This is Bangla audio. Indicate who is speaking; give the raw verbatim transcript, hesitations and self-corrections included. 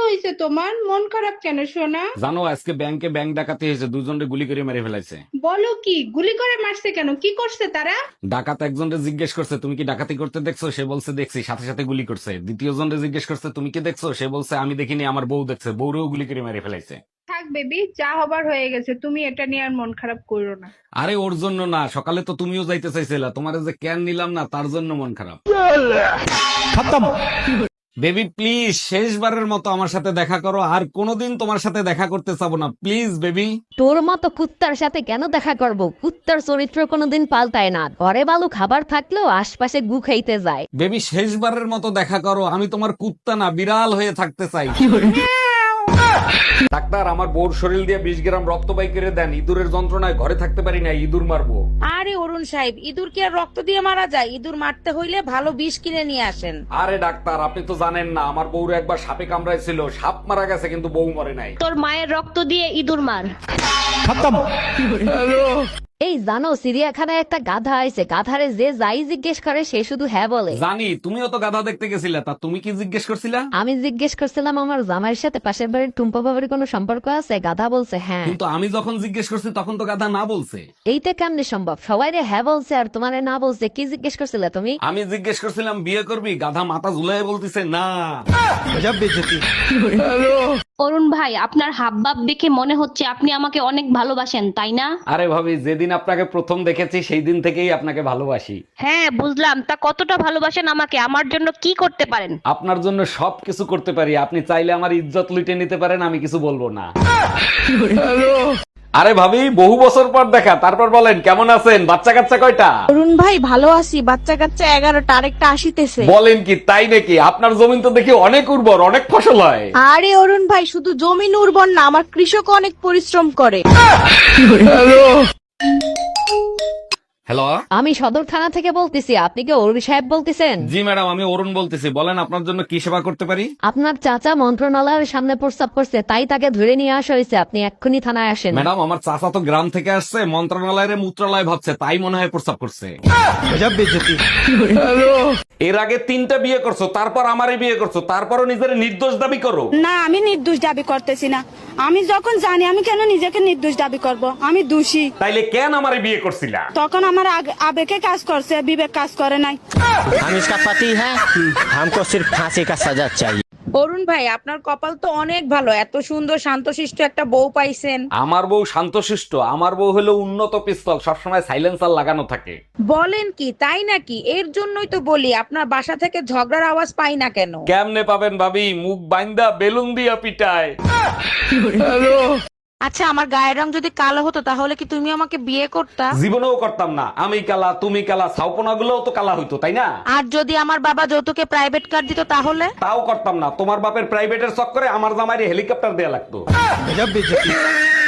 Speaker 1: হয়েছে তোমার? মন খারাপ কেন সোনা?
Speaker 2: জানো আজকে ব্যাংকে ব্যাংক ডাকাতি হয়েছে, দুজনে গুলি করে মেরে ফেলাইছে।
Speaker 1: বলো কি? গুলি করে মারছে কেন? কি করছে তারা?
Speaker 2: ডাকাত একজনকে জিজ্ঞেস করছে তুমি কি ডাকাতি করতে দেখছো, সে বলছে দেখছি, সাথে সাথে গুলি করছে। দ্বিতীয় জনকে জিজ্ঞেস করছে তুমি কি দেখছো, সে বলছে আমি দেখিনি, আমার বউ দেখছে, বউরেও গুলি করে মেরে ফেলাইছে।
Speaker 1: থাক বেবি, যা হবার হয়ে গেছে, তুমি এটা নিয়ে আর মন খারাপ করো না।
Speaker 2: আরে ওর জন্য না, সকালে তো তুমিও যাইতে চাইছিলা, তোমার যে ক্যান নিলাম না তার জন্য মন খারাপ। বেবি প্লিজ শেষবারের মতো আমার সাথে দেখা করো, আর কোনোদিন তোমার সাথে দেখা করতে চাবো না, প্লিজ বেবি।
Speaker 3: তোর মতো কুত্তার সাথে কেন দেখা করব? কুত্তার চরিত্র কোনোদিন পাল্টায় না। ঘরে ভালো খাবার থাকলেও আশপাশে গু খাইতে যায়।
Speaker 2: বেবি শেষবারের মতো দেখা করো, আমি তোমার কুত্তা না বিড়াল হয়ে থাকতে চাই। ডাক্তার, আমার বউর শরীর দিয়ে বিশ গ্রাম রক্ত বাই করে দেন, ইঁদুরের যন্ত্রণায় ঘরে থাকতে পারি না, ইঁদুর মারবো।
Speaker 4: আরে অরুণ সাহেব, ইঁদুর কি আর রক্ত দিয়ে মারা যায়? ইঁদুর মারতে হইলে ভালো বিষ কিনে নিয়ে আসেন।
Speaker 2: আরে ডাক্তার, আপনি তো জানেন না, আমার বউর একবার সাপে কামড়াইছিল, সাপ মারা গেছে কিন্তু বউ মরে নাই।
Speaker 5: তোর মায়ের রক্ত দিয়ে ইঁদুর মার।
Speaker 3: এই জানো, চিড়িয়াখানায় একটা গাধা আছে, গাধারে যে যাই জিজ্ঞেস করে সে শুধু হ্যাঁ বলে।
Speaker 2: জানি, তুমিও তো গাধা দেখতে গেছিলা, তা তুমি কি জিজ্ঞেস করছিলা?
Speaker 3: আমি জিজ্ঞেস করছিলাম আমার জামাইয়ের সাথে পাশের বাড়ির টুম্পা বাবার কোনো সম্পর্ক আছে? গাধা বলছে হ্যাঁ।
Speaker 2: কিন্তু আমি যখন জিজ্ঞেস করছি তখন তো গাধা না বলছে।
Speaker 3: এইটা কেমনে সম্ভব? সবাই রে হ্যাঁ বলছে আর তোমারে না বলছে। কি জিজ্ঞেস করছিলে তুমি?
Speaker 2: আমি জিজ্ঞেস করছিলাম বিয়ে করবি, গাধা মাথা ঝুলাই বলতিছে না।
Speaker 5: অরুণ ভাই, আপনার হাবভাব দেখে মনে হচ্ছে আপনি আমাকে অনেক ভালোবাসেন, তাই না?
Speaker 2: আরে ভাবি, যেদিন আপনাকে প্রথম দেখেছি সেই দিন থেকেই আপনাকে ভালোবাসি।
Speaker 5: হ্যাঁ বুঝলাম, তা কতটা ভালোবাসেন আমাকে? আমার জন্য কি করতে পারেন?
Speaker 2: আপনার জন্য সবকিছু করতে পারি, আপনি চাইলে আমার ইজ্জত লুটে নিতে পারেন, আমি কিছু বলবো না। আরে ভাবি, বহু বছর পর দেখা, তারপর বলেন কেমন আছেন, বাচ্চা কাচ্চা কয়টা?
Speaker 6: অরুণ ভাই ভালো আছি, বাচ্চা কাচ্চা এগারোটা, আরেকটা আসিতেছে।
Speaker 2: বলেন কি, তাই নাকি? আপনার জমিন তো দেখি অনেক উর্বর, অনেক ফসল হয়।
Speaker 6: আরে অরুণ ভাই, শুধু জমিন উর্বর না, আমার কৃষক অনেক পরিশ্রম করে।
Speaker 2: হ্যালো,
Speaker 3: আমি সদর থানা থেকে বলতেছি, আপনি কি অরুণ সাহেব বলতেছেন?
Speaker 2: জি ম্যাডাম, আমি অরুণ বলতেছি, বলেন আপনার জন্য কি সেবা করতে পারি?
Speaker 3: আপনার চাচা মন্ত্রণালয়ের সামনে প্রস্তাব করছে, তাই তাকে ধরে নিয়ে আসা হয়েছে। আপনি এক্ষুনি থানায় আসেন।
Speaker 2: ম্যাডাম, আমার চাচা তো গ্রাম থেকে আসছে, মন্ত্রণালয়ের মূত্রালয় ভাবছে, তাই মনে হয় প্রস্তাব করছে। এর আগে তিনটা বিয়ে করছো, তারপর আমারই বিয়ে করছো, তারপরও নিজের নির্দোষ দাবি করো।
Speaker 6: না, আমি নির্দোষ দাবি করতেছি না। আমি যখন জানি, আমি কেন নিজেকে নির্দোষ দাবি করব? আমি দোষী।
Speaker 2: তাইলে কেন আমারই বিয়ে করছিলা?
Speaker 6: তখন আমার আগ- আবেগে কাজ করছে, বিবেক কাজ করে নাই।
Speaker 7: हम इसका पति है, हमको सिर्फ फांसी का सजा चाहिए।
Speaker 4: অরুণ ভাই, আপনার কপাল তো অনেক ভালো, এত সুন্দর শান্তশিষ্ট একটা বউ পাইছেন।
Speaker 2: আমার বউ শান্তশিষ্ট? আমার বউ হলো উন্নত পিস্তল, সবসময় সাইলেন্সার লাগানো থাকে।
Speaker 4: বলেন কি, তাই নাকি? এর জন্যই তো বলি আপনার বাসা থেকে ঝগড়ার আওয়াজ পাই না কেন।
Speaker 2: কেমনে পাবেন ভাবি, মুখ বাইন্দা বেলুন দিয়া পিটায়।
Speaker 4: আচ্ছা, আমার গায়ের রং যদি কালো হতো তাহলে কি তুমি আমাকে বিয়ে করতা?
Speaker 2: জীবনেও করতাম না। আমি কালা, তুমি কালা, ছাউপনা গুলোও তো কালা হইতো, তাই না?
Speaker 4: আর যদি আমার বাবা যৌতুকে প্রাইভেট কার দিত তাহলে?
Speaker 2: তাও করতাম না। তোমার বাপের প্রাইভেটের চক্করে আমার জামাইরে হেলিকপ্টার দেয়া লাগতো।